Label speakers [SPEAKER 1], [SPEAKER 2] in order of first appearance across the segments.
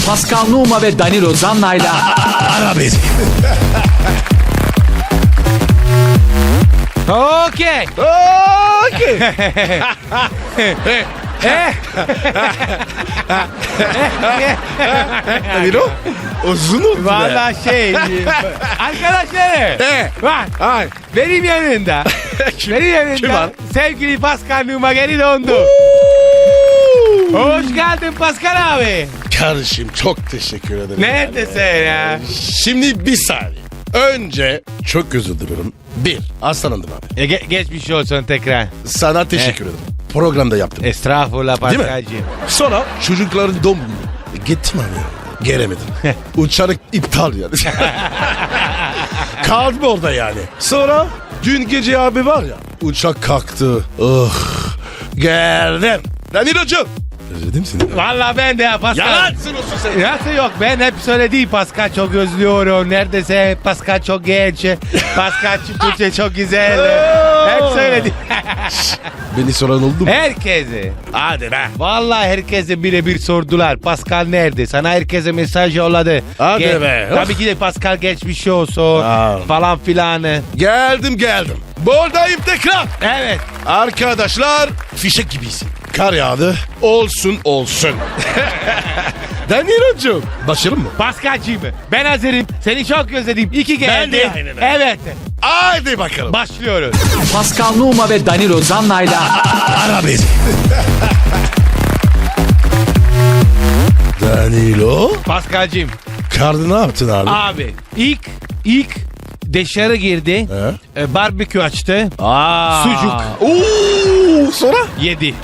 [SPEAKER 1] Pascal Numa ve Danilo Zanna'yla
[SPEAKER 2] Ara beni.
[SPEAKER 3] Okey.
[SPEAKER 2] Okey. Danilo uzun oldu be.
[SPEAKER 3] Valla arkadaşlar. Bak.
[SPEAKER 2] Ay.
[SPEAKER 3] Benim yanında. Benim yanında.
[SPEAKER 2] Kim var?
[SPEAKER 3] Sevgili Pascal Numa geri döndü. Hoş geldin Pascal abi.
[SPEAKER 2] Kardeşim çok teşekkür ederim.
[SPEAKER 3] Neredesin ya?
[SPEAKER 2] Şimdi bir saniye. Önce çok özür dilerim. Hastalandım abi.
[SPEAKER 3] Geçmiş olsun tekrar.
[SPEAKER 2] Sana teşekkür ederim. Programda yaptım.
[SPEAKER 3] Estağfurullah
[SPEAKER 2] Değil mi?
[SPEAKER 3] Pascal'cığım.
[SPEAKER 2] Sonra çocukların doğum günü. Gittim abi. Gelemedim. Uçak iptal yani. Kaldım orada yani. Sonra dün gece abi var ya. Uçak kalktı. Geldim. Danilo'cum. Özledim seni.
[SPEAKER 3] Valla ben de ya Pascal.
[SPEAKER 2] Yalansın olsun sen.
[SPEAKER 3] Nasıl yok, ben hep söylediğim Pascal çok özlüyorum. Neredeyse Pascal çok genç. Pascal Türkçe çok güzel. Hep söyledim.
[SPEAKER 2] Beni soran oldu mu?
[SPEAKER 3] Herkese.
[SPEAKER 2] Hadi be.
[SPEAKER 3] Vallahi herkese birebir sordular. Pascal nerede? Sana herkese mesaj yolladı.
[SPEAKER 2] Hadi be.
[SPEAKER 3] Tabii ki de Pascal geçmiş olsun.
[SPEAKER 2] Aa.
[SPEAKER 3] Falan filan.
[SPEAKER 2] Geldim. Buradayım tekrar.
[SPEAKER 3] Evet.
[SPEAKER 2] Arkadaşlar fişek gibisin. Kar yağdı. Olsun. Danilo'cum. Başarım mı?
[SPEAKER 3] Pascal'cığım ben hazırım. Seni çok özledim. İki geldi.
[SPEAKER 2] Ben de aynen öyle.
[SPEAKER 3] Evet.
[SPEAKER 2] Haydi bakalım.
[SPEAKER 3] Başlıyoruz.
[SPEAKER 1] Pascal Numa ve Danilo Zanna'yla
[SPEAKER 2] Ara beni. Danilo.
[SPEAKER 3] Pascal'cığım.
[SPEAKER 2] Kardı ne yaptın abi?
[SPEAKER 3] Abi ilk dışarı girdi. Barbekü açtı. Sucuk
[SPEAKER 2] Oo, sonra?
[SPEAKER 3] yedi.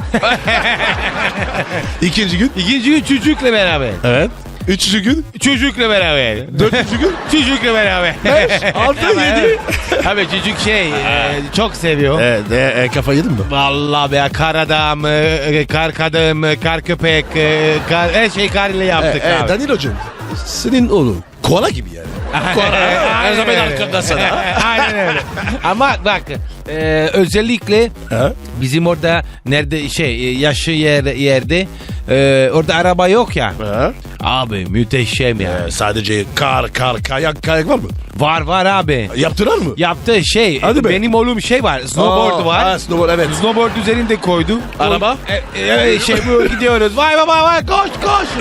[SPEAKER 2] İkinci gün.
[SPEAKER 3] İkinci gün çocukla beraber.
[SPEAKER 2] Evet. Üçüncü gün.
[SPEAKER 3] Çocukla beraber.
[SPEAKER 2] Dördüncü gün.
[SPEAKER 3] Çocukla beraber.
[SPEAKER 2] Beş, altı,
[SPEAKER 3] Ama
[SPEAKER 2] yedi.
[SPEAKER 3] evet. Abi çocuk çok seviyor.
[SPEAKER 2] Evet. Kafa yedin mi?
[SPEAKER 3] Vallahi be, kar adam, kar kadın, kar köpek, her şey kar ile yaptık abi.
[SPEAKER 2] Danilo'cum. Senin oğlun. Koala gibi yani. Her zaman arkanda sana.
[SPEAKER 3] Aynen öyle. Ama bak özellikle
[SPEAKER 2] Ha?
[SPEAKER 3] bizim orada nerede yaşı yerde orada araba yok ya.
[SPEAKER 2] Ha?
[SPEAKER 3] Abi müteşem ya.
[SPEAKER 2] Sadece kayak var mı?
[SPEAKER 3] Var abi.
[SPEAKER 2] Yaptılar mı?
[SPEAKER 3] Yaptığı
[SPEAKER 2] Hadi be.
[SPEAKER 3] benim oğlum var. Snowboard var.
[SPEAKER 2] Ha, snowboard evet.
[SPEAKER 3] Snowboard üzerinde koydu.
[SPEAKER 2] Araba?
[SPEAKER 3] Bu gidiyoruz. Vay koş.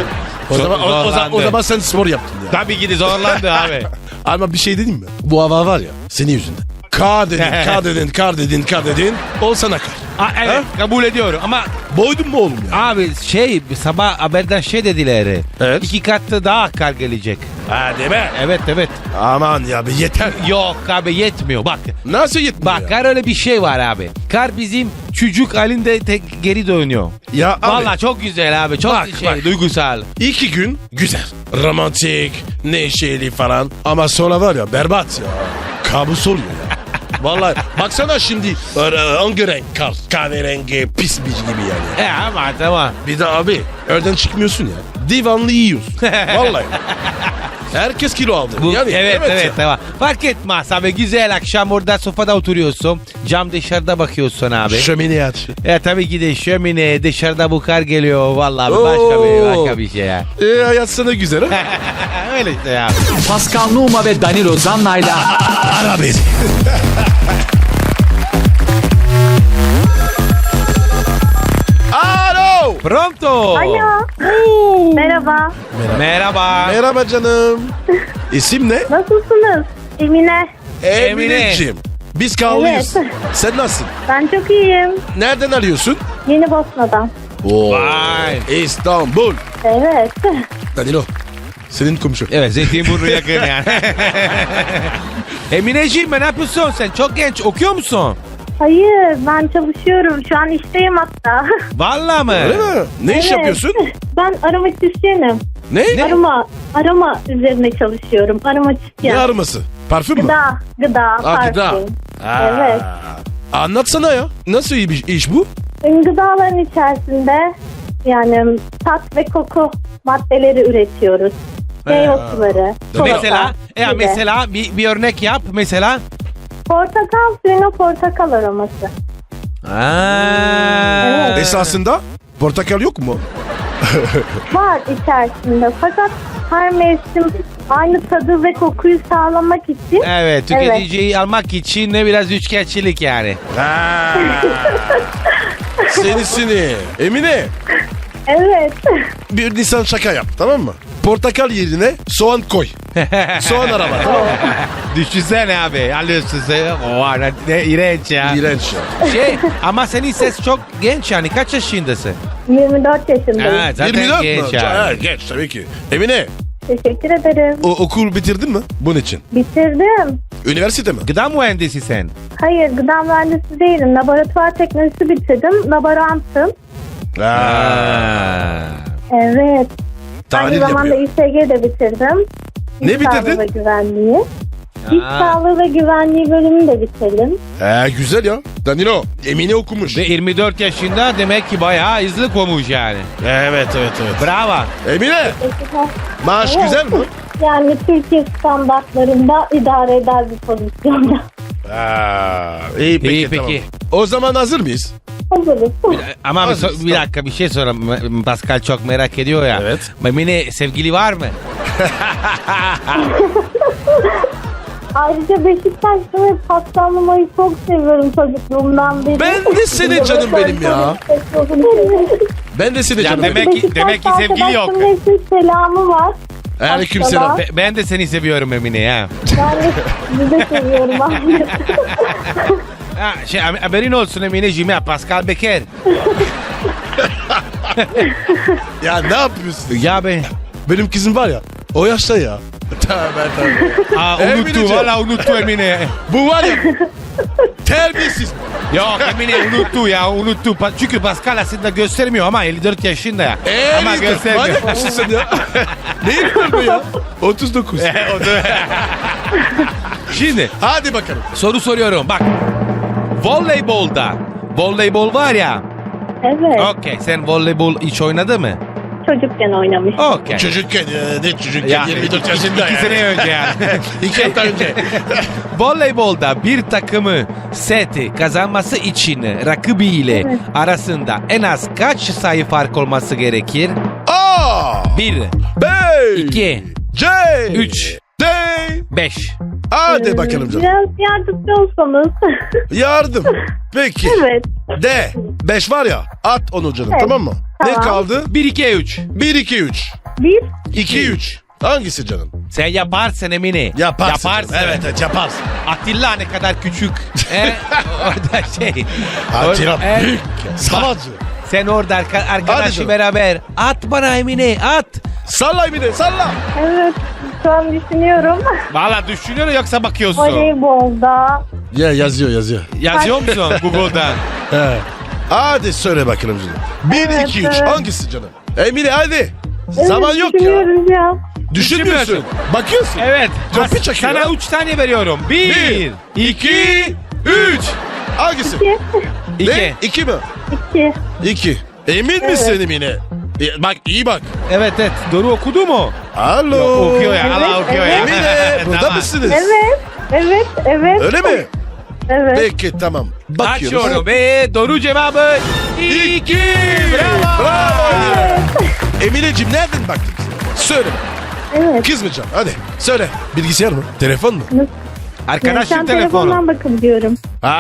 [SPEAKER 2] O zaman sen spor yaptın ya.
[SPEAKER 3] Tabii ki de zorlandı abi.
[SPEAKER 2] Ama bir şey dedim mi? Bu hava var ya senin yüzünden. Kar dedin. Ol sana kar.
[SPEAKER 3] Evet, kabul ediyorum ama
[SPEAKER 2] Boydun mu oğlum ya?
[SPEAKER 3] abi sabah haberden dediler.
[SPEAKER 2] Evet.
[SPEAKER 3] 2 katı daha kar gelecek.
[SPEAKER 2] Hadi be.
[SPEAKER 3] Evet.
[SPEAKER 2] Aman ya bir yeter.
[SPEAKER 3] Yok abi, yetmiyor bak.
[SPEAKER 2] Nasıl yetmiyor
[SPEAKER 3] Bak
[SPEAKER 2] ya?
[SPEAKER 3] kar öyle bir şey var abi. Kar bizim çocuk halinde geri dönüyor.
[SPEAKER 2] Ya abi.
[SPEAKER 3] Vallahi çok güzel abi. Çok
[SPEAKER 2] Bak.
[SPEAKER 3] duygusal.
[SPEAKER 2] 2 gün güzel. Romantik, neşeli falan. Ama sonra var ya berbat ya. Kabus oluyor ya. Vallahi baksana şimdi hangi renk kar? Kahverengi pis bir gibi yani.
[SPEAKER 3] Ama tamam.
[SPEAKER 2] Bir de abi evden çıkmıyorsun ya. Divanlı yiyorsun. Vallahi. Herkes kilo aldı. Yani,
[SPEAKER 3] evet
[SPEAKER 2] ya.
[SPEAKER 3] tamam. Fark etmez abi, güzel akşam orada sofada oturuyorsun. Cam dışarıda bakıyorsun abi.
[SPEAKER 2] Şömineyi aç.
[SPEAKER 3] Tabii ki de şömine dışarıda bu kar geliyor. Vallahi
[SPEAKER 2] Oo.
[SPEAKER 3] başka bir şey ya.
[SPEAKER 2] Hayat sana güzel ha.
[SPEAKER 3] Öyle işte ya.
[SPEAKER 1] Pascal Numa ve Danilo Zanna'yla
[SPEAKER 2] Ara beni. Alo.
[SPEAKER 3] Pronto.
[SPEAKER 4] Alo. Merhaba.
[SPEAKER 3] Merhaba.
[SPEAKER 2] Merhaba canım. İsim ne?
[SPEAKER 4] Nasılsınız? Emine.
[SPEAKER 2] Emineciğim. Biz kavlıyız.
[SPEAKER 4] Evet.
[SPEAKER 2] Sen nasılsın?
[SPEAKER 4] Ben çok iyiyim.
[SPEAKER 2] Nereden arıyorsun?
[SPEAKER 4] Yeni Bosna'dan.
[SPEAKER 2] Oo.
[SPEAKER 3] Vay.
[SPEAKER 2] İstanbul.
[SPEAKER 4] Evet.
[SPEAKER 2] Danilo. Senin komşu.
[SPEAKER 3] Evet, Zeytinburnu yakın yani. Emineciğim, ne yapıyorsun sen? Çok genç, okuyor musun?
[SPEAKER 4] Hayır, ben çalışıyorum. Şu an işteyim hatta.
[SPEAKER 3] Vallahi mı?
[SPEAKER 2] Öyle mi? Ne iş
[SPEAKER 4] Evet.
[SPEAKER 2] yapıyorsun?
[SPEAKER 4] Ben aromatisyenim.
[SPEAKER 2] Ne?
[SPEAKER 4] Aroma üzerine çalışıyorum.
[SPEAKER 2] Ne
[SPEAKER 4] Aromatisyen.
[SPEAKER 2] arması? Parfüm mü?
[SPEAKER 4] Gıda,
[SPEAKER 2] Aa, gıda.
[SPEAKER 4] parfüm.
[SPEAKER 2] Aa.
[SPEAKER 4] Evet.
[SPEAKER 2] Anlatsana ya. Nasıl iyi bir iş bu?
[SPEAKER 4] Gıdaların içerisinde yani tat ve koku maddeleri üretiyoruz. Meyve suları.
[SPEAKER 3] Mesela,
[SPEAKER 4] çikolata gibi.
[SPEAKER 3] mesela bir örnek yap mesela.
[SPEAKER 4] Portakal suyuna portakal aroması.
[SPEAKER 3] Aa.
[SPEAKER 4] Evet.
[SPEAKER 2] Esasında portakal yok mu?
[SPEAKER 4] var içerisinde. Fakat her mevsim aynı tadı ve kokuyu sağlamak için
[SPEAKER 3] Evet, tüketiciyi almak için ne biraz üçkağıtçılık yani.
[SPEAKER 2] Ha. Senisini. Emine
[SPEAKER 4] evet.
[SPEAKER 2] bir Nisan şaka yap tamam mı? Portakal yerine soğan koy. Soğan arama tamam mı?
[SPEAKER 3] Düşünsene abi, alıyorsun sen. Oha ne iğrenç ya.
[SPEAKER 2] İğrenç ya.
[SPEAKER 3] Ama senin ses çok genç yani, kaç yaşındasın?
[SPEAKER 4] 24 yaşındayım.
[SPEAKER 3] Ha, zaten
[SPEAKER 2] 24
[SPEAKER 3] genç
[SPEAKER 2] mu?
[SPEAKER 3] yani.
[SPEAKER 2] Ha, genç tabii ki. Emine
[SPEAKER 4] Teşekkür ederim.
[SPEAKER 2] okul bitirdin mi bunun için?
[SPEAKER 4] Bitirdim.
[SPEAKER 2] Üniversite mi?
[SPEAKER 3] Gıda mühendisi sen.
[SPEAKER 4] Hayır, gıda mühendisi değilim. Laboratuvar teknolojisi bitirdim. Laborantım.
[SPEAKER 2] Ha.
[SPEAKER 4] Evet.
[SPEAKER 2] Tahlil
[SPEAKER 4] Aynı zamanda
[SPEAKER 2] yapıyor.
[SPEAKER 4] İSG de bitirdim.
[SPEAKER 2] Ne
[SPEAKER 4] İş Sağlığı
[SPEAKER 2] bitirdin?
[SPEAKER 4] ve güvenliği. İş sağlığı ve güvenliği bölümünü de bitirdim.
[SPEAKER 2] Güzel ya. Danilo Emine okumuş.
[SPEAKER 3] Ve 24 yaşında demek ki bayağı hızlı olmuş yani.
[SPEAKER 2] Evet.
[SPEAKER 3] Bravo.
[SPEAKER 2] Emine maaş
[SPEAKER 4] Evet.
[SPEAKER 2] güzel mi?
[SPEAKER 4] Yani Türkiye standartlarında idare eder bir pozisyonda.
[SPEAKER 2] İyi peki,
[SPEAKER 3] İyi,
[SPEAKER 2] tamam.
[SPEAKER 3] peki.
[SPEAKER 2] O zaman hazır mıyız?
[SPEAKER 4] Hazırız.
[SPEAKER 3] Ama bir,
[SPEAKER 2] Hazırız,
[SPEAKER 3] bir dakika bir şey sorayım. Pascal çok merak ediyor ya.
[SPEAKER 2] Evet.
[SPEAKER 3] Emine sevgili var mı?
[SPEAKER 4] Ayrıca Beşiktaş'ta ve paslanmayı çok seviyorum çocukluğumdan beri.
[SPEAKER 2] Ben de seni canım benim ya. Ben de seni
[SPEAKER 3] Ya
[SPEAKER 2] canım.
[SPEAKER 3] demek
[SPEAKER 2] benim.
[SPEAKER 3] ki sevgili yok.
[SPEAKER 4] Arkadaşlarımın hepsinin selamı var.
[SPEAKER 2] Aleykümselam.
[SPEAKER 4] Hastalar.
[SPEAKER 3] Ben de seni seviyorum Emine ya.
[SPEAKER 4] Ben de sizi de seviyorum abi.
[SPEAKER 3] Ha, haberin olsun Emineciğim ya, Pascal Becker.
[SPEAKER 2] Ya ne yapıyorsun?
[SPEAKER 3] Ya be.
[SPEAKER 2] Benim kızım var ya. O yaşta ya. Tabii.
[SPEAKER 3] Aa,
[SPEAKER 2] Emineciğim.
[SPEAKER 3] unuttu valla unuttu Emine.
[SPEAKER 2] Bu var ya. Terbiyesiz.
[SPEAKER 3] Yok Emine unuttu. Çünkü Pascal aslında göstermiyor ama 54 yaşında ya. Ama göstermiyor.
[SPEAKER 2] Manyak mısın sen ya? Neyin var bu ya? 39.
[SPEAKER 3] Şimdi
[SPEAKER 2] Hadi bakalım.
[SPEAKER 3] soru soruyorum bak. Voleybol var ya.
[SPEAKER 4] Evet.
[SPEAKER 3] Okey, sen voleybol hiç oynadı mı?
[SPEAKER 4] Çocukken oynamış.
[SPEAKER 3] Okey.
[SPEAKER 2] Çocukken ne çocukken
[SPEAKER 3] Ya,
[SPEAKER 2] 24 yaşında
[SPEAKER 3] iki sene önce yani.
[SPEAKER 2] 2 hafta önce.
[SPEAKER 3] Voleybolda bir takımı seti kazanması için rakibiyle
[SPEAKER 4] Evet.
[SPEAKER 3] arasında en az kaç sayı fark olması gerekir?
[SPEAKER 2] A
[SPEAKER 3] 1,
[SPEAKER 2] B
[SPEAKER 3] 2,
[SPEAKER 2] C
[SPEAKER 3] 3,
[SPEAKER 2] D
[SPEAKER 3] 5.
[SPEAKER 2] Hadi bakalım canım.
[SPEAKER 4] Biraz yardımcı olsanız.
[SPEAKER 2] Yardım. Peki.
[SPEAKER 4] Evet.
[SPEAKER 2] D 5 var ya at onu canım
[SPEAKER 4] Evet.
[SPEAKER 2] tamam mı? Ne
[SPEAKER 4] Tamam.
[SPEAKER 2] kaldı?
[SPEAKER 3] 1, 2, 3.
[SPEAKER 2] 1 2 3.
[SPEAKER 4] 1,
[SPEAKER 2] 2 3. Hangisi canım?
[SPEAKER 3] Sen yaparsın Emine.
[SPEAKER 2] Yaparsın. canım. Evet yaparsın.
[SPEAKER 3] Atilla ne kadar küçük. Orada şey.
[SPEAKER 2] Atilla
[SPEAKER 3] E,
[SPEAKER 2] büyük. Savacı.
[SPEAKER 3] Sen orada arkadaşı
[SPEAKER 2] canım.
[SPEAKER 3] beraber at bana Emine at.
[SPEAKER 2] Salla Emine salla.
[SPEAKER 4] evet. Şu an düşünüyorum.
[SPEAKER 3] Valla düşünüyor yoksa bakıyorsun.
[SPEAKER 4] Voleybolda
[SPEAKER 2] Ya yazıyor.
[SPEAKER 3] Yazıyor musun Google'dan?
[SPEAKER 2] He. Hadi söyle bakalım canım. 1
[SPEAKER 4] Evet,
[SPEAKER 2] 2 3
[SPEAKER 4] evet.
[SPEAKER 2] hangisi canım? Emine hadi.
[SPEAKER 4] evet,
[SPEAKER 2] Zaman yok ya.
[SPEAKER 4] düşünüyoruz ya.
[SPEAKER 2] Düşünmüyorsun. Bakıyorsun.
[SPEAKER 3] Evet.
[SPEAKER 2] Topu çekiyor.
[SPEAKER 3] Sana 3 tane veriyorum. 1,
[SPEAKER 2] 2 3. Hangisi?
[SPEAKER 4] 2,
[SPEAKER 2] Ne? 2 mi?
[SPEAKER 4] 2.
[SPEAKER 2] 2. Emin misin Emine? Bak iyi bak.
[SPEAKER 3] Evet doğru okudu mu?
[SPEAKER 2] Alo.
[SPEAKER 3] Okuyor ya. Allah okuyor ya.
[SPEAKER 2] Emine burada
[SPEAKER 3] Tamam.
[SPEAKER 2] mısınız?
[SPEAKER 4] Evet.
[SPEAKER 2] Öyle mi?
[SPEAKER 4] Evet.
[SPEAKER 2] Peki tamam. Bakıyoruz.
[SPEAKER 3] Açıyorum ve doğru cevabı 2. Bravo.
[SPEAKER 2] Bravo. Emineciğim nereden baktın bize? Söyle.
[SPEAKER 4] Evet.
[SPEAKER 2] Kızmayacağım. Hadi söyle. Bilgisayar mı? Telefon mu?
[SPEAKER 3] Arkadaşım
[SPEAKER 4] Sen
[SPEAKER 3] telefonu.
[SPEAKER 4] telefondan bakabiliyorum.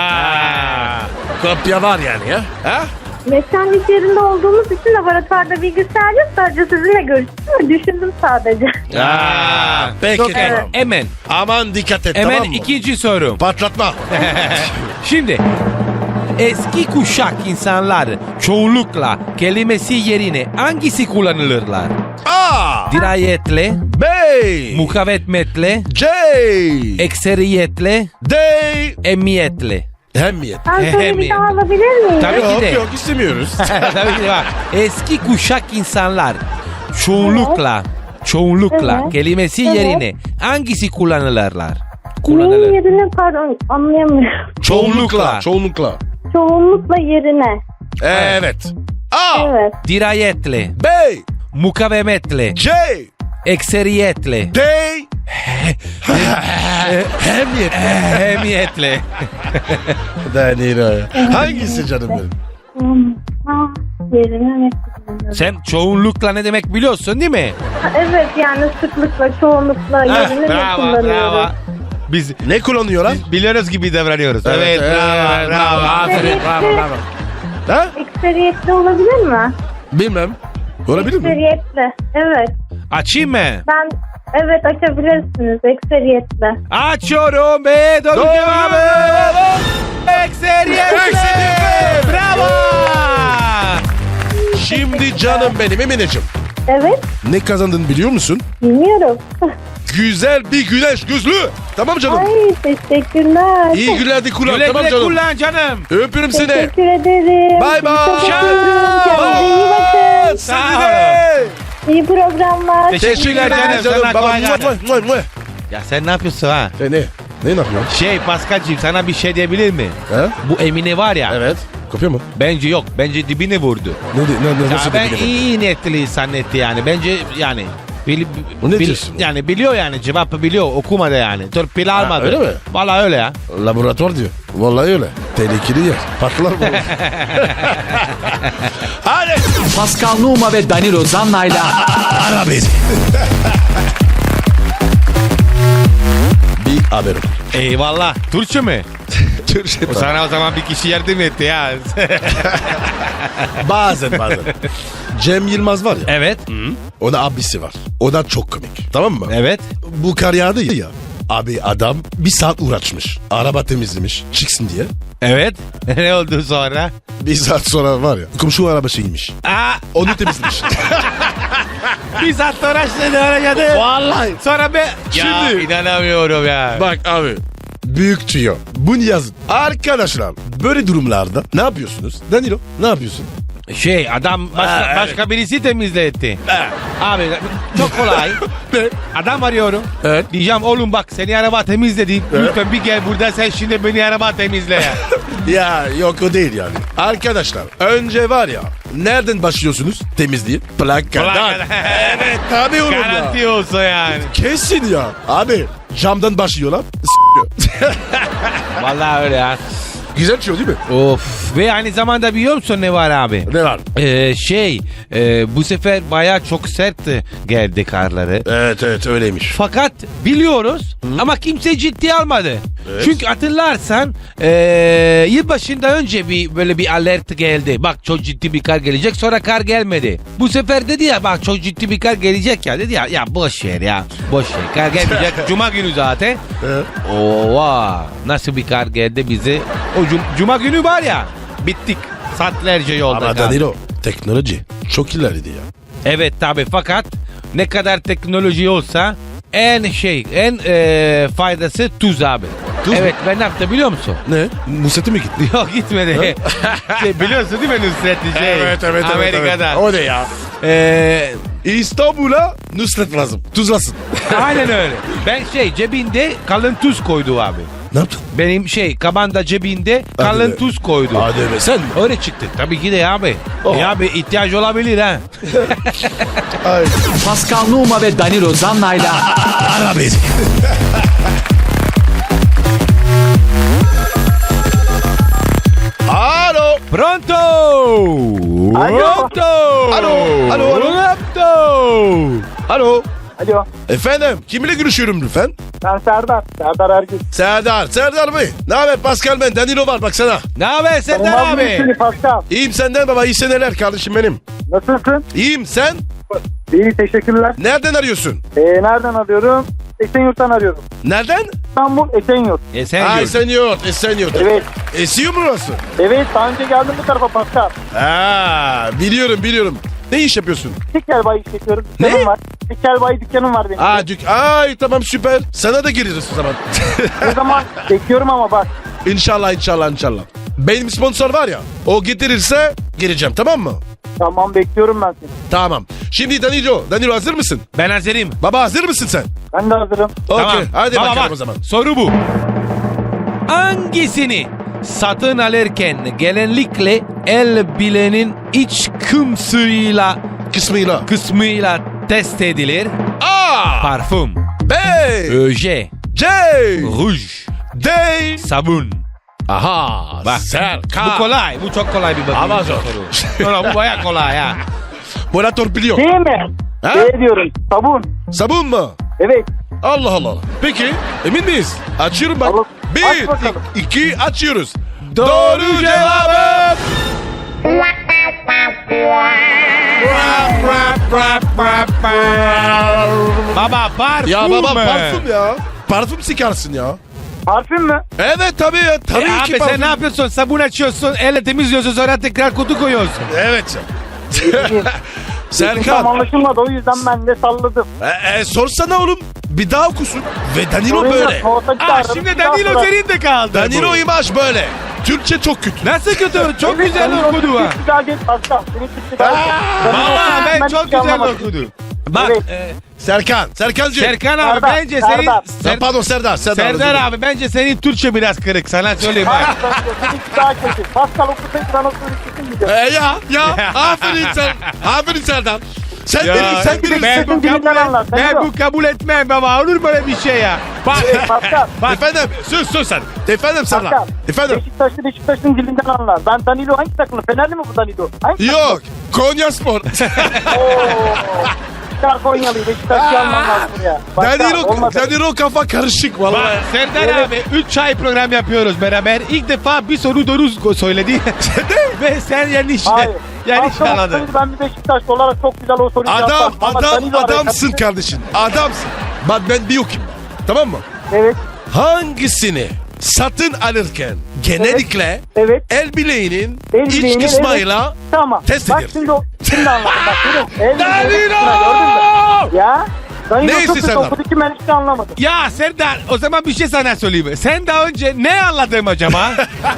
[SPEAKER 2] Kopya var yani ya. Ha?
[SPEAKER 4] Mekanlik yerinde olduğumuz için laboratuvarda bilgisayar yok. Sadece sizinle görüştüm ve düşündüm sadece.
[SPEAKER 2] Peki
[SPEAKER 3] Okey.
[SPEAKER 2] tamam.
[SPEAKER 3] Hemen.
[SPEAKER 2] Aman dikkat et
[SPEAKER 3] Hemen
[SPEAKER 2] tamam mı?
[SPEAKER 3] ikinci soru.
[SPEAKER 2] Patlatma.
[SPEAKER 3] Şimdi eski kuşak insanlar çoğunlukla kelimesi yerine hangisi kullanılırlar?
[SPEAKER 2] A.
[SPEAKER 3] Dirayetle,
[SPEAKER 2] B.
[SPEAKER 3] mukavemetle,
[SPEAKER 2] C.
[SPEAKER 3] ekseriyetle,
[SPEAKER 2] D.
[SPEAKER 3] emiyetle.
[SPEAKER 2] Hemiyet.
[SPEAKER 4] Ben soruyu bir daha alabilir miyim?
[SPEAKER 3] Tabii ki de.
[SPEAKER 2] Yok istemiyoruz.
[SPEAKER 3] Tabii ki de var. Eski kuşak insanlar çoğunlukla
[SPEAKER 4] Evet.
[SPEAKER 3] kelimesi
[SPEAKER 4] Evet.
[SPEAKER 3] yerine hangisi kullanılırlar?
[SPEAKER 4] Neyin yerine pardon anlayamıyorum.
[SPEAKER 2] Çoğunlukla.
[SPEAKER 4] Çoğunlukla yerine.
[SPEAKER 2] Evet. A.
[SPEAKER 4] Evet.
[SPEAKER 3] Dirayetle,
[SPEAKER 2] B.
[SPEAKER 3] mukavemetle,
[SPEAKER 2] C.
[SPEAKER 3] ekseriyetle,
[SPEAKER 2] D. Hemiyet.
[SPEAKER 3] emiyetle.
[SPEAKER 2] Danilo. Hangisi canım benim?
[SPEAKER 4] Yerine ne? kullanıyorum.
[SPEAKER 3] Sen çoğunlukla ne demek biliyorsun değil mi?
[SPEAKER 4] Evet yani sıklıkla, çoğunlukla yerine ne
[SPEAKER 3] bravo.
[SPEAKER 4] kullanıyoruz?
[SPEAKER 3] Biz
[SPEAKER 2] Ne kullanıyorlar?
[SPEAKER 3] biliyoruz gibi davranıyoruz. Evet, bravo.
[SPEAKER 2] Aferin, bravo. Ha?
[SPEAKER 4] Ekseriyetli olabilir mi?
[SPEAKER 2] Bilmem. Olabilir mi?
[SPEAKER 4] Ekseriyetli. Evet.
[SPEAKER 3] Açayım mı?
[SPEAKER 4] Ben evet açabilirsiniz ekseriyetli.
[SPEAKER 3] Açıyorum be. Doğru cevabı. Ekseriyetle.
[SPEAKER 2] Ekseriyetle.
[SPEAKER 3] Bravo.
[SPEAKER 2] Şimdi canım benim Emineciğim.
[SPEAKER 4] Evet.
[SPEAKER 2] Ne kazandın biliyor musun?
[SPEAKER 4] Bilmiyorum.
[SPEAKER 2] Güzel bir güneş gözlüğü. Tamam canım.
[SPEAKER 4] Ay teşekkürler.
[SPEAKER 2] İyi günler kullan.
[SPEAKER 3] Güle
[SPEAKER 2] Tamam
[SPEAKER 3] güle
[SPEAKER 2] canım.
[SPEAKER 3] kullan canım.
[SPEAKER 2] Öpürüm seni.
[SPEAKER 4] Teşekkür ederim.
[SPEAKER 2] Bye bye.
[SPEAKER 4] Çok
[SPEAKER 3] Ciao.
[SPEAKER 4] öpüyorum. Kendinize iyi bakın.
[SPEAKER 2] Seni de.
[SPEAKER 4] İyi programlar.
[SPEAKER 3] Teşekkürler canım. Sana
[SPEAKER 2] Baba.
[SPEAKER 3] kolay gelsin.
[SPEAKER 2] Muah, muah.
[SPEAKER 3] Ya sen ne yapıyorsun ha?
[SPEAKER 2] Ne? Ne yapıyorsun?
[SPEAKER 3] Şey Paskal'cığım sana bir şey diyebilir mi?
[SPEAKER 2] He?
[SPEAKER 3] Bu Emine var ya.
[SPEAKER 2] Evet. Kopya mı?
[SPEAKER 3] Bence yok. Bence dibine vurdu.
[SPEAKER 2] Ne
[SPEAKER 3] Ya
[SPEAKER 2] nasıl
[SPEAKER 3] ben
[SPEAKER 2] dedi?
[SPEAKER 3] iyi niyetli zannetti yani. Bence yani
[SPEAKER 2] Bu ne diyorsun?
[SPEAKER 3] yani biliyor yani cevabı biliyor okumadı yani. Torpil almadı.
[SPEAKER 2] öyle mi?
[SPEAKER 3] Vallahi öyle ya.
[SPEAKER 2] Laboratuvar diyor. Vallahi öyle. Tehlikeli yer. Patlar mı? Hadi.
[SPEAKER 1] Pascal Numa ve Danilo Zanna'yla
[SPEAKER 2] Ara beni. Bir haberim.
[SPEAKER 3] Eyvallah. Türkçe mi?
[SPEAKER 2] Türkçe
[SPEAKER 3] O sana o zaman bir kişi yardım etti ya.
[SPEAKER 2] bazen. Cem Yılmaz var ya.
[SPEAKER 3] Evet.
[SPEAKER 2] O da abisi var. O da çok komik. Tamam mı?
[SPEAKER 3] Evet.
[SPEAKER 2] Bu kar yağdı ya. Abi adam bir saat uğraşmış. Araba temizlemiş. Çıksın diye.
[SPEAKER 3] Evet. Ne oldu sonra?
[SPEAKER 2] Bir saat sonra var ya. Komşu arabasıymış.
[SPEAKER 3] Aa,
[SPEAKER 2] Onu temizlemiş.
[SPEAKER 3] bir saat uğraştı ne olacaktı?
[SPEAKER 2] Vallahi.
[SPEAKER 3] Sonra be. Ya
[SPEAKER 2] Şimdi-
[SPEAKER 3] inanamıyorum ya.
[SPEAKER 2] Bak abi. Büyük tüyo. Bunu yazın. Arkadaşlar böyle durumlarda ne yapıyorsunuz? Danilo ne yapıyorsun?
[SPEAKER 3] Şey adam başka birisi temizletti. Abi çok kolay.
[SPEAKER 2] Ne?
[SPEAKER 3] Adam arıyorum.
[SPEAKER 2] Evet.
[SPEAKER 3] Diyeceğim oğlum bak seni araba temizledim.
[SPEAKER 2] Evet.
[SPEAKER 3] Lütfen bir gel burada sen şimdi beni araba temizle ya.
[SPEAKER 2] Ya yok o değil yani. Arkadaşlar önce var ya nereden başlıyorsunuz temizliği? Plakadan.
[SPEAKER 3] Plakadan.
[SPEAKER 2] Evet tabii oğlum ya.
[SPEAKER 3] Garanti olsa yani.
[SPEAKER 2] Kesin ya. Abi camdan başlıyorlar.
[SPEAKER 3] Vallahi öyle ya.
[SPEAKER 2] Güzel tüyo değil mi?
[SPEAKER 3] Of. Ve aynı zamanda biliyor musun ne var abi?
[SPEAKER 2] Ne var?
[SPEAKER 3] Bu sefer bayağı çok sert geldi karları.
[SPEAKER 2] Evet öyleymiş.
[SPEAKER 3] Fakat biliyoruz ama kimse ciddiye almadı.
[SPEAKER 2] Evet.
[SPEAKER 3] Çünkü hatırlarsan yılbaşında önce böyle bir alert geldi. Bak çok ciddi bir kar gelecek, sonra kar gelmedi. Bu sefer dedi ya bak çok ciddi bir kar gelecek ya, dedi ya boş ver ya. Boş ver, kar gelmeyecek. Cuma günü zaten.
[SPEAKER 2] Evet.
[SPEAKER 3] Ova, nasıl bir kar geldi bizi. O cuma günü var ya bittik. Saatlerce yolda
[SPEAKER 2] Ama
[SPEAKER 3] kaldık.
[SPEAKER 2] Danilo teknoloji çok ilerledi ya.
[SPEAKER 3] Evet tabi, fakat ne kadar teknoloji olsa en faydası tuz abi.
[SPEAKER 2] Tuz mu?
[SPEAKER 3] Evet, ben ne yaptım biliyor musun?
[SPEAKER 2] Ne? Nusret'e mi gitti?
[SPEAKER 3] Yok gitmedi. Biliyorsun değil mi Nusret'i? Amerika'da.
[SPEAKER 2] O ne ya?
[SPEAKER 3] Ee,
[SPEAKER 2] İstanbul'a Nusret lazım. Tuzlasın.
[SPEAKER 3] aynen öyle. Ben cebinde kalın tuz koydu abi.
[SPEAKER 2] Ne yaptın?
[SPEAKER 3] Benim kabanda cebinde kalın
[SPEAKER 2] be.
[SPEAKER 3] tuz koydu.
[SPEAKER 2] Hadi be sen mi?
[SPEAKER 3] Öyle çıktı. Tabii ki de abi.
[SPEAKER 2] Oh.
[SPEAKER 3] Ya abi ihtiyaç olabilir ha.
[SPEAKER 2] Ay.
[SPEAKER 1] Pascal Numa ve Danilo Zanna'yla
[SPEAKER 2] Ara beni. Alo.
[SPEAKER 3] Pronto!
[SPEAKER 4] Alo.
[SPEAKER 3] Pronto!
[SPEAKER 2] Alo.
[SPEAKER 3] Pronto!
[SPEAKER 2] Alo.
[SPEAKER 5] Alo,
[SPEAKER 2] Efendim kiminle görüşüyorum lütfen?
[SPEAKER 5] ben Serdar. Serdar Ergün.
[SPEAKER 2] Serdar Bey. Ne haber Pascal ben? Danilo var baksana.
[SPEAKER 3] Ne haber Serdar
[SPEAKER 5] Olmaz mı
[SPEAKER 3] abi?
[SPEAKER 5] seni Pascal?
[SPEAKER 2] İyiyim senden baba. İyi seneler kardeşim benim.
[SPEAKER 5] Nasılsın?
[SPEAKER 2] İyiyim sen?
[SPEAKER 5] İyi, teşekkürler.
[SPEAKER 2] Nereden arıyorsun?
[SPEAKER 5] Nereden arıyorum? Esenyurt'tan arıyorum.
[SPEAKER 2] Nereden?
[SPEAKER 5] İstanbul Esenyurt.
[SPEAKER 3] Sen gör.
[SPEAKER 2] Esenyurt.
[SPEAKER 5] Evet.
[SPEAKER 2] Esiyor mu burası?
[SPEAKER 5] Evet, daha önce geldim bu tarafa Pascal.
[SPEAKER 2] Biliyorum. Ne iş yapıyorsun?
[SPEAKER 5] Tekel bayi işletiyorum.
[SPEAKER 2] Ne?
[SPEAKER 5] Dükkanım var. Tekel bayi dükkanım var benim.
[SPEAKER 2] Ay tamam süper. Sana da gireriz o zaman.
[SPEAKER 5] Ne zaman bekliyorum ama bak.
[SPEAKER 2] İnşallah. Benim sponsor var ya. O getirirse gireceğim tamam mı?
[SPEAKER 5] Tamam, bekliyorum ben seni.
[SPEAKER 2] Tamam. Şimdi Danilo hazır mısın?
[SPEAKER 3] Ben hazırım.
[SPEAKER 2] Baba hazır mısın sen?
[SPEAKER 5] Ben de hazırım.
[SPEAKER 2] Okey.
[SPEAKER 3] Tamam.
[SPEAKER 2] Hadi
[SPEAKER 3] Baba
[SPEAKER 2] bakalım
[SPEAKER 3] bak,
[SPEAKER 2] o zaman.
[SPEAKER 3] soru bu. Hangisini satın alırken genellikle el bilenin iç kısmıyla test edilir?
[SPEAKER 2] A.
[SPEAKER 3] Parfüm,
[SPEAKER 2] B.
[SPEAKER 3] öje,
[SPEAKER 2] C.
[SPEAKER 3] ruj,
[SPEAKER 2] D.
[SPEAKER 3] sabun.
[SPEAKER 2] Aha.
[SPEAKER 3] Bak.
[SPEAKER 2] Serkan.
[SPEAKER 3] Bu kolay. Bu çok kolay bir bakım.
[SPEAKER 2] Ama zor.
[SPEAKER 3] soru. Bu baya kolay ha.
[SPEAKER 2] Böyle torpiliyor.
[SPEAKER 5] Değil mi?
[SPEAKER 2] Ha?
[SPEAKER 5] Ne diyorum? Sabun.
[SPEAKER 2] Sabun mu?
[SPEAKER 5] Evet.
[SPEAKER 2] Allah Allah. Peki emin miyiz? Açıyorum bak.
[SPEAKER 5] Aç
[SPEAKER 2] 1,
[SPEAKER 5] bakalım.
[SPEAKER 2] 2 açıyoruz. Doğru cevabı.
[SPEAKER 3] Baba parfüm
[SPEAKER 2] Ya baba
[SPEAKER 3] mü?
[SPEAKER 2] parfüm ya. Parfüm sıkarsın ya.
[SPEAKER 5] Parfüm mü?
[SPEAKER 2] Evet tabii ya. Tabii ki
[SPEAKER 3] Abi
[SPEAKER 2] parfüm.
[SPEAKER 3] sen ne yapıyorsun? Sabun açıyorsun, elle temizliyorsun sonra tekrar kutu koyuyorsun.
[SPEAKER 2] Evet.
[SPEAKER 5] Tam
[SPEAKER 2] Serkan.
[SPEAKER 5] anlaşılmadı, o yüzden ben de salladım.
[SPEAKER 2] Sorsana oğlum. Bir daha okusun. Ve Danilo
[SPEAKER 5] Sorun
[SPEAKER 2] böyle.
[SPEAKER 5] yok, muhasebeci aradım,
[SPEAKER 3] Şimdi
[SPEAKER 5] bir daha
[SPEAKER 3] Danilo
[SPEAKER 5] sorarım.
[SPEAKER 3] senin de kaldı.
[SPEAKER 2] Danilo
[SPEAKER 3] bu.
[SPEAKER 2] imaj böyle. Türkçe çok kötü.
[SPEAKER 3] Nasıl kötü? Çok
[SPEAKER 5] Evet,
[SPEAKER 3] güzel
[SPEAKER 5] Danilo
[SPEAKER 3] okudu ha.
[SPEAKER 5] Türkçe güzel değil, Pascal. Senin Türkçe güzel değil. Danilo
[SPEAKER 3] Valla
[SPEAKER 5] Türkçe,
[SPEAKER 3] ben
[SPEAKER 5] hiç
[SPEAKER 3] çok güzel
[SPEAKER 5] anlamadım.
[SPEAKER 3] okudu. Bak
[SPEAKER 5] Evet.
[SPEAKER 2] Serkancığım.
[SPEAKER 3] Serkan abi
[SPEAKER 5] Serdar,
[SPEAKER 3] bence
[SPEAKER 5] Serdar.
[SPEAKER 3] senin...
[SPEAKER 2] Pardon Serdar.
[SPEAKER 3] Serdar abi bence senin Türkçe biraz kırık sana söyleyeyim
[SPEAKER 5] Hayır,
[SPEAKER 3] bak.
[SPEAKER 5] seninki daha kötü. Pascal okusaydı ben o sözü kesin
[SPEAKER 2] Ya aferin sen. Aferin Serdar. Sen
[SPEAKER 3] Ya,
[SPEAKER 2] sen bilirsin.
[SPEAKER 3] ben bu
[SPEAKER 5] Sesin dilinden anlar,
[SPEAKER 3] kabul, ben
[SPEAKER 5] Danilo.
[SPEAKER 3] bu kabul etmem baba olur böyle bir şey ya. Bak
[SPEAKER 5] Pascal.
[SPEAKER 3] bak
[SPEAKER 2] Efendim sus sen. Efendim Serdar.
[SPEAKER 5] Pascal.
[SPEAKER 2] Efendim.
[SPEAKER 5] Beşiktaş'ın dilinden anlar. Ben Danilo hangi takımı? Fenerli mi bu Danilo? Hangi
[SPEAKER 2] Yok. Konya Spor.
[SPEAKER 5] Ooo. Çıkar Konyalı'yı. Beşiktaş'ı almam lazım ya.
[SPEAKER 2] Danilo kafa karışık vallahi.
[SPEAKER 3] Bak Serdar abi 3 ay program yapıyoruz beraber. İlk defa bir soru doğru söyledi. Ve sen yanlış
[SPEAKER 5] Hayır. Pascal
[SPEAKER 3] anladın.
[SPEAKER 5] olsaydı ben bir Beşiktaşlı olarak çok güzel o soruyu yapardım. Ama Danilo
[SPEAKER 2] Adamsın
[SPEAKER 5] araya-
[SPEAKER 2] kardeşim. Adamsın. Bak ben bir okuyayım. Tamam mı?
[SPEAKER 5] Evet.
[SPEAKER 2] Hangisini satın alırken genellikle
[SPEAKER 5] Evet.
[SPEAKER 2] el bileğinin
[SPEAKER 5] El
[SPEAKER 2] iç
[SPEAKER 5] bileğinin,
[SPEAKER 2] kısmıyla
[SPEAKER 5] Tamam.
[SPEAKER 2] Test
[SPEAKER 5] Bak
[SPEAKER 2] ediyoruz.
[SPEAKER 5] şimdi anladım. Bak görün.
[SPEAKER 2] Danilo!
[SPEAKER 5] Gördün mü? Ya. Danilo
[SPEAKER 2] Neyse
[SPEAKER 5] çok kötü
[SPEAKER 2] Serdar.
[SPEAKER 5] okudu ki ben hiç anlamadım.
[SPEAKER 3] Ya Serdar o zaman bir şey sana söyleyeyim. Sen daha önce ne anladın acaba?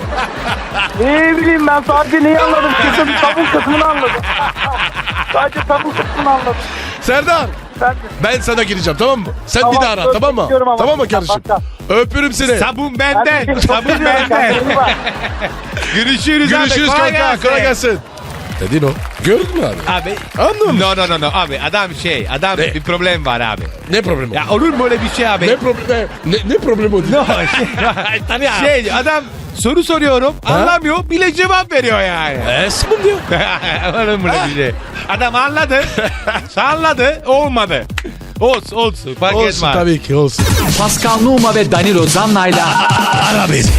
[SPEAKER 5] Ne bileyim ben sadece neyi anladım? Kızım sabun kısmını anladım. Sadece sabun kısmını anladım.
[SPEAKER 2] Serdar
[SPEAKER 5] Ben de.
[SPEAKER 2] ben sana gireceğim tamam mı? Sen
[SPEAKER 5] Tamam,
[SPEAKER 2] bir daha ara
[SPEAKER 5] söz
[SPEAKER 2] tamam mı?
[SPEAKER 5] bekliyorum ama.
[SPEAKER 2] Tamam mı kardeşim?
[SPEAKER 5] Bak,
[SPEAKER 2] Öpürüm seni.
[SPEAKER 3] Sabun
[SPEAKER 5] Ben
[SPEAKER 3] benden.
[SPEAKER 5] seni çok
[SPEAKER 3] Sabun
[SPEAKER 5] seviyorum.
[SPEAKER 3] benden.
[SPEAKER 5] Kendine iyi bak.
[SPEAKER 3] Görüşürüz,
[SPEAKER 2] Görüşürüz
[SPEAKER 3] abi.
[SPEAKER 2] kanka. Kolay gelsin. Dedin o. Gördün mü abi?
[SPEAKER 3] Abi.
[SPEAKER 2] Anladın mı?
[SPEAKER 3] No abi adam
[SPEAKER 2] Ne?
[SPEAKER 3] bir problem var abi.
[SPEAKER 2] Ne problemi?
[SPEAKER 3] Ya olur mu öyle bir şey abi?
[SPEAKER 2] Ne problemi? Ne problemi o değil?
[SPEAKER 3] No, şey adam soru soruyorum anlamıyor bile cevap veriyor yani.
[SPEAKER 2] Sabun diyor.
[SPEAKER 3] Olur mu öyle bir şey? Adam anladı olmadı. Olsun fark
[SPEAKER 2] Olsun
[SPEAKER 3] etmez.
[SPEAKER 2] tabii ki olsun.
[SPEAKER 1] Pascal Numa ve Danilo Zanna'yla
[SPEAKER 2] Ara beni.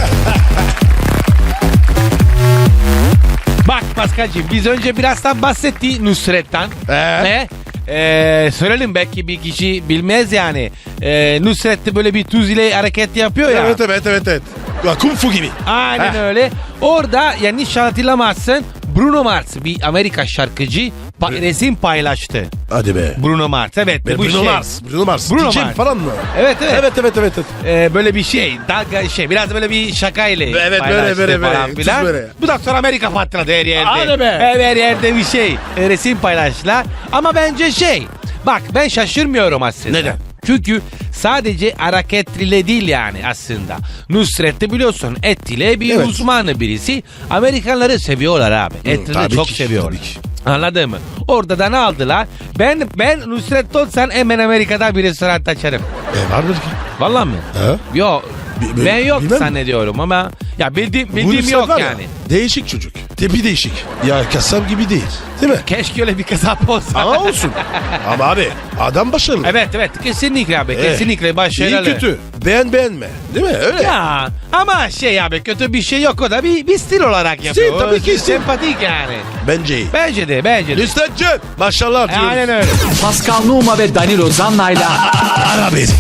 [SPEAKER 3] Bak Paskal'cığım biz önce birazdan bahsettik Nusret'ten. Söyleyelim belki bir kişi bilmez yani. Nusret de böyle bir tuz ile hareket yapıyor ya.
[SPEAKER 2] Evet. Ya, Kung Fu gibi.
[SPEAKER 3] Aynen öyle. Orada yanlış hatırlamazsın Bruno Mars bir Amerika şarkıcı resim paylaştı.
[SPEAKER 2] Hadi be.
[SPEAKER 3] Bruno Mars evet. Bu
[SPEAKER 2] Bruno
[SPEAKER 3] şey.
[SPEAKER 2] Mars. Bruno Mars.
[SPEAKER 3] Bruno
[SPEAKER 2] DJ
[SPEAKER 3] Mars.
[SPEAKER 2] falan mı?
[SPEAKER 3] Evet.
[SPEAKER 2] Evet.
[SPEAKER 3] Böyle bir şey. Dalga şey. Biraz böyle bir şakayla
[SPEAKER 2] Evet,
[SPEAKER 3] paylaştı
[SPEAKER 2] böyle,
[SPEAKER 3] falan
[SPEAKER 2] tuz
[SPEAKER 3] filan.
[SPEAKER 2] böyle.
[SPEAKER 3] Bu da sonra Amerika patladı her yerde.
[SPEAKER 2] Hadi be.
[SPEAKER 3] Her yerde bir şey. Resim paylaştılar. Ama bence şey. Bak ben şaşırmıyorum aslında.
[SPEAKER 2] Neden?
[SPEAKER 3] Çünkü sadece hareketle değil yani aslında. Nusret de biliyorsun et ile bir
[SPEAKER 2] Evet.
[SPEAKER 3] uzmanı birisi. Amerikanları seviyorlar abi. Etleri
[SPEAKER 2] tabii
[SPEAKER 3] çok
[SPEAKER 2] ki,
[SPEAKER 3] seviyorlar.
[SPEAKER 2] tabii ki.
[SPEAKER 3] Anladın mı? Orada da ne aldılar? Ben Nusret olsan hemen Amerika'da bir restoran açarım.
[SPEAKER 2] Vardır ki.
[SPEAKER 3] Vallahi mi?
[SPEAKER 2] Ha?
[SPEAKER 3] Yok. Ben yok
[SPEAKER 2] bilmem.
[SPEAKER 3] zannediyorum ama ya bildiğim
[SPEAKER 2] Bu
[SPEAKER 3] yok
[SPEAKER 2] var ya,
[SPEAKER 3] yani.
[SPEAKER 2] Değişik çocuk. Tipi değişik. Ya kasap gibi değil. Değil mi?
[SPEAKER 3] Keşke öyle bir kasap olsa.
[SPEAKER 2] Ama olsun. Ama abi adam başarılı.
[SPEAKER 3] Evet kesinlikle abi kesinlikle başarılı.
[SPEAKER 2] İyi kötü. Beğenme. Değil mi? Öyle.
[SPEAKER 3] Ya ama şey abi kötü bir şey yok o da bir stil olarak yapıyor.
[SPEAKER 2] tabii ki stil.
[SPEAKER 3] Sempatik yani.
[SPEAKER 2] Bence iyi.
[SPEAKER 3] Bence de.
[SPEAKER 2] Nusret'cim. Maşallah diyoruz.
[SPEAKER 3] Aynen öyle.
[SPEAKER 1] Pascal Numa ve Danilo Zanna'yla
[SPEAKER 2] Ara beni.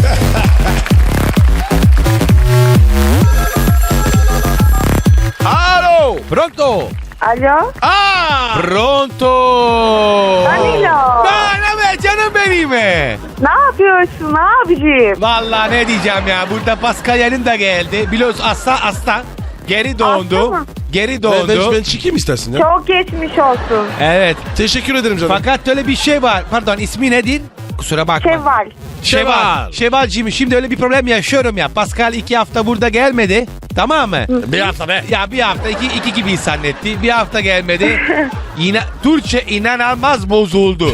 [SPEAKER 2] Alo.
[SPEAKER 3] Pronto.
[SPEAKER 4] Alo.
[SPEAKER 3] Pronto.
[SPEAKER 4] Danilo.
[SPEAKER 3] Ne canım benim.
[SPEAKER 4] Ne yapıyorsun abicim?
[SPEAKER 3] Vallahi ne diyeceğim ya burada Pascal yanında geldi. Biliyorsun aslan geri
[SPEAKER 4] Hasta
[SPEAKER 3] doğdu.
[SPEAKER 4] mı?
[SPEAKER 3] Geri doğdu.
[SPEAKER 2] Ben çıkayım istersin ya.
[SPEAKER 4] Çok geçmiş olsun.
[SPEAKER 3] Evet.
[SPEAKER 2] Teşekkür ederim canım.
[SPEAKER 3] Fakat öyle bir şey var. Pardon ismi nedir? Kusura bakma.
[SPEAKER 4] Şevval.
[SPEAKER 3] Şevvalcığım şimdi öyle bir problem yaşıyorum ya. Pascal 2 hafta burada gelmedi. Tamam mı?
[SPEAKER 2] Bir hafta be.
[SPEAKER 3] Ya bir hafta iki gibi zannetti. Bir hafta gelmedi. Yine Türkçe inanılmaz bozuldu.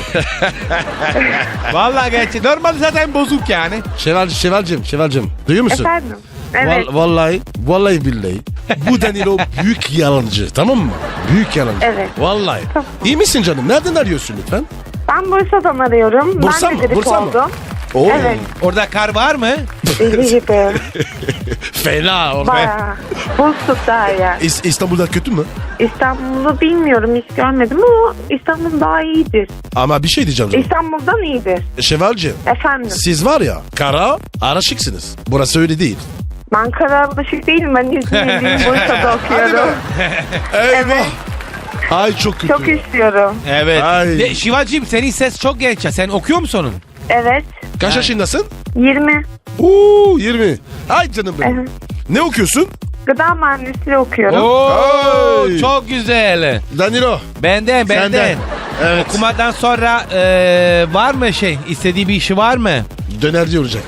[SPEAKER 3] Vallahi gerçi normal zaten bozuk yani.
[SPEAKER 2] Şevvalcim. Duyuyor musun?
[SPEAKER 4] Efendim? Evet.
[SPEAKER 2] Vallahi billahi. Bu Danilo büyük yalancı, tamam mı? Büyük yalancı.
[SPEAKER 4] Evet.
[SPEAKER 2] Vallahi.
[SPEAKER 4] Tamam.
[SPEAKER 2] İyi misin canım? Nereden arıyorsun lütfen?
[SPEAKER 4] Ben Bursa'dan arıyorum.
[SPEAKER 2] Bursa
[SPEAKER 4] ben
[SPEAKER 2] mı?
[SPEAKER 4] de grip
[SPEAKER 2] Bursa mı?
[SPEAKER 4] oldum.
[SPEAKER 2] Oo.
[SPEAKER 4] Evet.
[SPEAKER 3] Orada kar var mı?
[SPEAKER 4] İyi gibi.
[SPEAKER 2] Fena oğlum.
[SPEAKER 4] Bayağı. Buz tuttu her yer.
[SPEAKER 2] İstanbul'da kötü mü?
[SPEAKER 4] İstanbul'u bilmiyorum, hiç görmedim ama İstanbul daha iyidir.
[SPEAKER 2] Ama bir şey diyeceğim canım.
[SPEAKER 4] İstanbul'dan iyidir.
[SPEAKER 2] Şevvalci,
[SPEAKER 4] Efendim.
[SPEAKER 2] siz var ya kara araşıksınız. Burası öyle değil.
[SPEAKER 4] Ben Kararlaşık değilim. Ben İzmirliyim. Bursa'da okuyorum.
[SPEAKER 2] Eyvah. Ay çok kötü.
[SPEAKER 4] Çok istiyorum.
[SPEAKER 3] Evet.
[SPEAKER 2] Ay.
[SPEAKER 3] Şivacığım senin ses çok genç ya. Sen okuyor musun onun?
[SPEAKER 4] Evet.
[SPEAKER 2] Kaç yaşındasın?
[SPEAKER 4] 20.
[SPEAKER 2] 20. Ay canım benim.
[SPEAKER 4] Evet.
[SPEAKER 2] Ne okuyorsun?
[SPEAKER 4] Gıda mühendisliği okuyorum.
[SPEAKER 3] Oo,
[SPEAKER 2] Ay.
[SPEAKER 3] çok güzel.
[SPEAKER 2] Danilo.
[SPEAKER 3] Benden.
[SPEAKER 2] Senden. Evet.
[SPEAKER 3] Okumadan sonra var mı istediği bir işi var mı?
[SPEAKER 2] Dönerci olacak.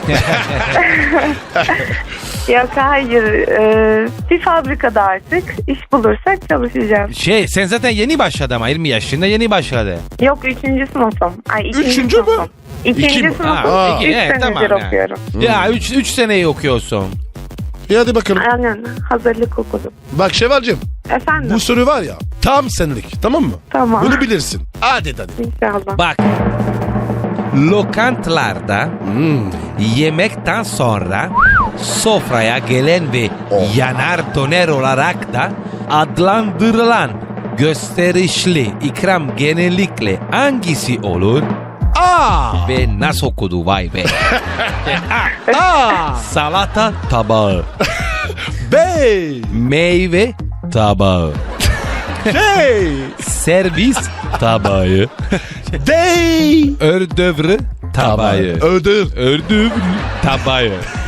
[SPEAKER 4] Yok hayır. Bir fabrikada artık iş bulursak çalışacağım.
[SPEAKER 3] Sen zaten yeni başladı ama 20 yaşında yeni başladı.
[SPEAKER 4] Yok 3. sınıfım. Ay 2.
[SPEAKER 2] Üçüncü mü?
[SPEAKER 4] sınıfım. 2.
[SPEAKER 2] İki mi?
[SPEAKER 4] sınıfım.
[SPEAKER 3] Aa,
[SPEAKER 4] 3
[SPEAKER 3] iki, evet,
[SPEAKER 4] senedir
[SPEAKER 3] tamam yani.
[SPEAKER 4] okuyorum.
[SPEAKER 3] Ya 3 seneyi okuyorsun.
[SPEAKER 2] İyi hadi bakalım.
[SPEAKER 4] Aynen. Hazırlık okudum.
[SPEAKER 2] Bak Şevvalcim,
[SPEAKER 4] Efendim.
[SPEAKER 2] bu soru var ya tam senlik, tamam mı?
[SPEAKER 4] Tamam.
[SPEAKER 2] Bunu bilirsin. Hadi Danilo.
[SPEAKER 4] İnşallah.
[SPEAKER 3] Bak. Lokantalarda yemekten sonra sofraya gelen ve yanar döner olarak da adlandırılan gösterişli ikram genellikle hangisi olur?
[SPEAKER 2] Aa!
[SPEAKER 3] Ve nasıl okudu vay be.
[SPEAKER 2] Aa!
[SPEAKER 3] Salata tabağı,
[SPEAKER 2] Bey!
[SPEAKER 3] meyve tabağı,
[SPEAKER 2] Hey!
[SPEAKER 3] servis tabağı,
[SPEAKER 2] Dey!
[SPEAKER 3] ördövrü tabağı.
[SPEAKER 2] Ödül.
[SPEAKER 3] Ördüm tabağı.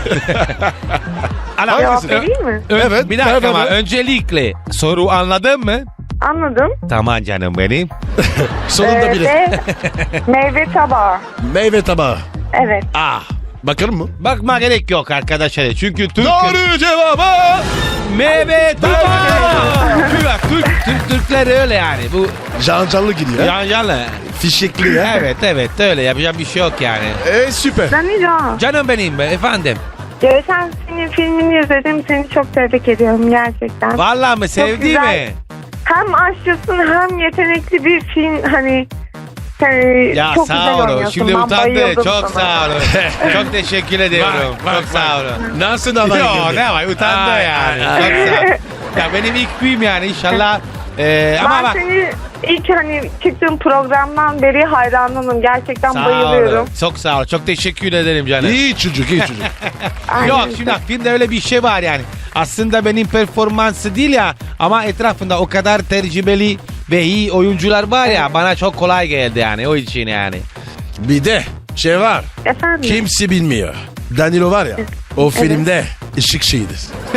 [SPEAKER 4] Cevap vereyim mi?
[SPEAKER 2] Evet,
[SPEAKER 3] Bir dakika
[SPEAKER 2] ver,
[SPEAKER 3] ama
[SPEAKER 2] ver.
[SPEAKER 3] öncelikle soru anladın mı?
[SPEAKER 4] Anladım.
[SPEAKER 3] Tamam canım benim.
[SPEAKER 2] Sonunda bile.
[SPEAKER 4] Ve meyve tabağı.
[SPEAKER 2] Meyve tabağı.
[SPEAKER 4] Evet.
[SPEAKER 2] Ah! Bakalım mı?
[SPEAKER 3] Bakma gerek yok arkadaşlar. Çünkü Türk
[SPEAKER 2] Doğru cevabı!
[SPEAKER 3] meyve tabağı. Türkler öyle yani. Bu
[SPEAKER 2] Canlı gidiyor.
[SPEAKER 3] yancalı.
[SPEAKER 2] Fişekli ya.
[SPEAKER 3] Evet öyle yapacak bir şey yok yani.
[SPEAKER 2] Süper.
[SPEAKER 4] Danilo.
[SPEAKER 3] Canım benim be efendim.
[SPEAKER 4] Geçen senin filmini izledim. Seni çok tebrik ediyorum gerçekten.
[SPEAKER 3] Vallahi mi sevdi
[SPEAKER 4] güzel.
[SPEAKER 3] mi?
[SPEAKER 4] Hem aşçısın hem yetenekli bir film. Hani
[SPEAKER 3] Ya
[SPEAKER 4] çok
[SPEAKER 3] sağ
[SPEAKER 4] güzel
[SPEAKER 3] olun.
[SPEAKER 4] oynuyorsun.
[SPEAKER 3] Şimdi
[SPEAKER 4] Ben
[SPEAKER 3] utandı.
[SPEAKER 4] bayıldım
[SPEAKER 3] Çok
[SPEAKER 4] sana.
[SPEAKER 3] sağ olun. Çok teşekkür ediyorum. Çok sağ olun.
[SPEAKER 2] Nasıl da
[SPEAKER 3] Yok ne var utandı
[SPEAKER 2] Ay,
[SPEAKER 3] yani.
[SPEAKER 2] ay,
[SPEAKER 3] Çok sağ olun. Ya benim ilk film yani inşallah. Ama
[SPEAKER 4] Ben
[SPEAKER 3] bak.
[SPEAKER 4] seni ilk hani çıktığım programdan beri hayranınım. Gerçekten
[SPEAKER 3] Sağ
[SPEAKER 4] bayılıyorum.
[SPEAKER 3] olun. Çok sağ ol. Çok teşekkür ederim canım.
[SPEAKER 2] İyi çocuk, iyi çocuk.
[SPEAKER 4] Aynen.
[SPEAKER 3] Yok şimdi bak, filmde öyle bir şey var yani. Aslında benim performansı değil ya ama etrafında o kadar tecrübeli ve iyi oyuncular var ya, bana çok kolay geldi yani o için yani.
[SPEAKER 2] Bir de şey var.
[SPEAKER 4] Efendim?
[SPEAKER 2] Kimse bilmiyor. Danilo var ya o filmde ışık şeyidir.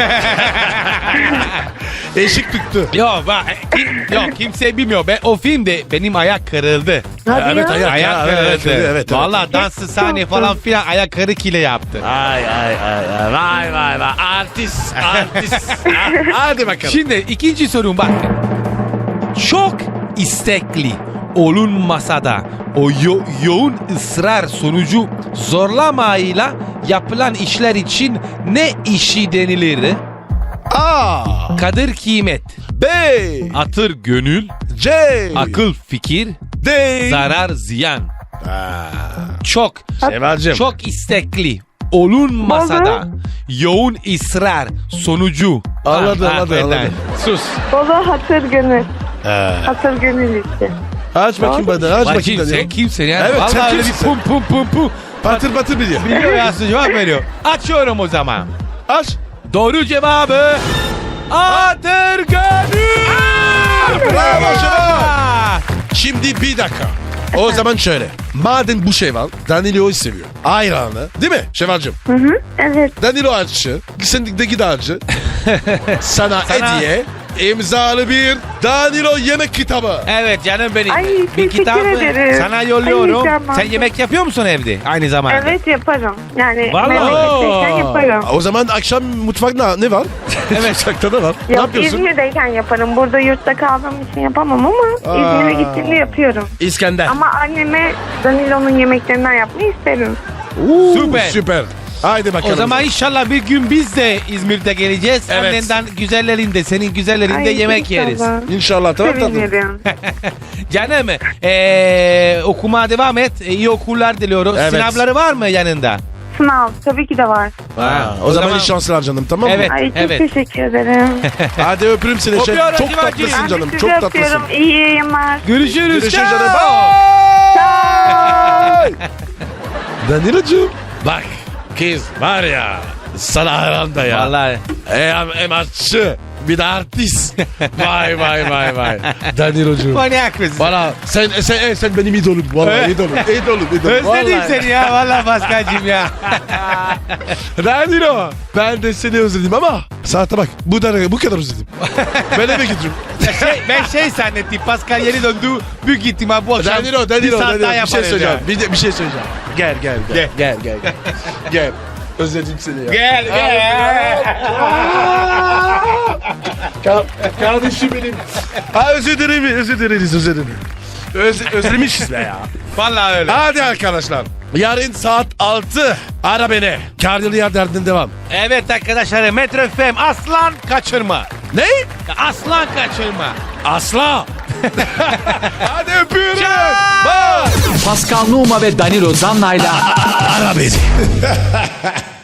[SPEAKER 2] Işık tuttu.
[SPEAKER 3] Yok bak yok kimse bilmiyor. O filmde benim ayak kırıldı.
[SPEAKER 4] Hadi
[SPEAKER 2] Evet,
[SPEAKER 4] ya.
[SPEAKER 2] ayak.
[SPEAKER 3] Ayak kırıldı.
[SPEAKER 2] evet.
[SPEAKER 3] Vallahi danslı sahne falan filan ayak kırık ile yaptı.
[SPEAKER 2] Ay. Vay. Artist. Hadi bakalım.
[SPEAKER 3] Şimdi ikinci sorum bak. Çok istekli olunmasa da o yoğun ısrar sonucu zorlamayla yapılan işler için ne işi denilir?
[SPEAKER 2] A.
[SPEAKER 3] Kadir kıymet,
[SPEAKER 2] B.
[SPEAKER 3] atır gönül,
[SPEAKER 2] C.
[SPEAKER 3] akıl fikir,
[SPEAKER 2] D.
[SPEAKER 3] zarar ziyan. Çok
[SPEAKER 2] Şevvalcim.
[SPEAKER 3] çok istekli olunmasa da yoğun ısrar sonucu.
[SPEAKER 2] Anladım.
[SPEAKER 3] neden?
[SPEAKER 2] Sus.
[SPEAKER 4] Bolu hatır gönül. Hatır gönül işte.
[SPEAKER 2] Aç bakayım bana. Aç bakayım
[SPEAKER 3] Bacım
[SPEAKER 2] Danilo.
[SPEAKER 3] sen kimsin ya?
[SPEAKER 2] Evet, sen
[SPEAKER 3] Vallahi öyle bir
[SPEAKER 2] kimsin?
[SPEAKER 3] pum.
[SPEAKER 2] Patır biliyor.
[SPEAKER 3] Biliyor ya, cevap veriyor. Açıyorum o zaman.
[SPEAKER 2] Aç.
[SPEAKER 3] Doğru cevabı atır gönül.
[SPEAKER 2] Bravo Şevval. Şimdi bir dakika. O zaman şöyle. Madem bu Şevval Danilo'yu seviyor. Ayranı. Değil mi Şevvalcim?
[SPEAKER 4] Evet.
[SPEAKER 2] Danilo açı. Sendeki de açı. Sana hediye. İmzalı bir Danilo yemek kitabı.
[SPEAKER 3] Evet canım benim.
[SPEAKER 4] Ay,
[SPEAKER 3] bir
[SPEAKER 4] teşekkür
[SPEAKER 3] kitabı
[SPEAKER 4] ederim.
[SPEAKER 3] sana yolluyorum.
[SPEAKER 4] Ay, tamam.
[SPEAKER 3] Sen yemek yapıyor musun evde aynı zamanda?
[SPEAKER 4] Evet yaparım. Yani
[SPEAKER 3] Vallahi.
[SPEAKER 4] memleketteyken yaparım.
[SPEAKER 2] O zaman akşam mutfakta ne var? Evet. Mutfakta ne var? Ne
[SPEAKER 4] Yok
[SPEAKER 2] yapıyorsun?
[SPEAKER 4] İzmir'deyken yaparım. Burada yurtta kaldığım için yapamam ama İzmir'e gittiğimde yapıyorum.
[SPEAKER 2] İskender.
[SPEAKER 4] Ama anneme Danilo'nun yemeklerinden yapmayı isterim.
[SPEAKER 3] Süper.
[SPEAKER 2] Süper. Haydi bakalım.
[SPEAKER 3] O zaman inşallah bir gün biz de İzmir'de geleceğiz.
[SPEAKER 2] Evet.
[SPEAKER 3] Annenden güzellerinde, senin güzellerinde
[SPEAKER 4] Ay,
[SPEAKER 3] yemek yeriz.
[SPEAKER 4] inşallah.
[SPEAKER 2] İnşallah tamam tatlım.
[SPEAKER 4] Sevinirim.
[SPEAKER 3] Canım okumaya devam et. İyi okullar diliyoruz.
[SPEAKER 2] Evet.
[SPEAKER 3] Sınavları var mı yanında?
[SPEAKER 4] Sınav tabii ki de var.
[SPEAKER 2] O zaman iyi şanslar canım tamam mı?
[SPEAKER 3] Evet.
[SPEAKER 4] Ay çok teşekkür ederim.
[SPEAKER 2] Hadi öpürüm seni.
[SPEAKER 3] Öpüyorum
[SPEAKER 2] Çok
[SPEAKER 3] Civacığım.
[SPEAKER 2] tatlısın
[SPEAKER 4] Ben
[SPEAKER 2] canım.
[SPEAKER 4] de
[SPEAKER 2] Çok
[SPEAKER 4] sizi
[SPEAKER 2] tatlısın.
[SPEAKER 4] öpüyorum. İyi yayınlar.
[SPEAKER 3] Görüşürüz.
[SPEAKER 2] Görüşürüz
[SPEAKER 3] Ciao.
[SPEAKER 2] canım. Bye. Danilocuğum. Bak kız var ya sana hayran da ya.
[SPEAKER 3] Vallahi.
[SPEAKER 2] Hem aşçı bir de artist. Vay vay vay vay. Danilocuğum.
[SPEAKER 3] Manyak mısın?
[SPEAKER 2] Valla sen benim idolüm. Valla
[SPEAKER 3] Evet.
[SPEAKER 2] idolüm. İdolüm.
[SPEAKER 3] Özledim
[SPEAKER 2] Vallahi.
[SPEAKER 3] seni ya vallahi Paskal'cığım ya.
[SPEAKER 2] Danilo. Ben de seni özledim ama saate bak bu kadar özledim. Ben eve gidiyorum.
[SPEAKER 3] Ben zannettim Pascal yeni döndü. Büyük ihtimal bu akşam
[SPEAKER 2] Danilo,
[SPEAKER 3] bir saat daha
[SPEAKER 2] bir şey
[SPEAKER 3] yaparız
[SPEAKER 2] söyleyeceğim.
[SPEAKER 3] ya.
[SPEAKER 2] Bir şey söyleyeceğim. Gel. Gel. Özledim seni ya.
[SPEAKER 3] Gel.
[SPEAKER 2] Kardeşim benim. Özür dilerim. Özlemişiz be ya.
[SPEAKER 3] Vallahi öyle.
[SPEAKER 2] Hadi arkadaşlar. Yarın saat 6. Ara beni. Karyalıya derdin devam.
[SPEAKER 3] Evet arkadaşlar Metro FM aslan kaçırma.
[SPEAKER 2] Ne?
[SPEAKER 3] Aslan kaçırma.
[SPEAKER 2] Asla. Hadi öpüyorum.
[SPEAKER 3] Ciao.
[SPEAKER 2] Bye.
[SPEAKER 1] Pascal Numa ve Danilo Zanna'yla
[SPEAKER 2] Ara beni.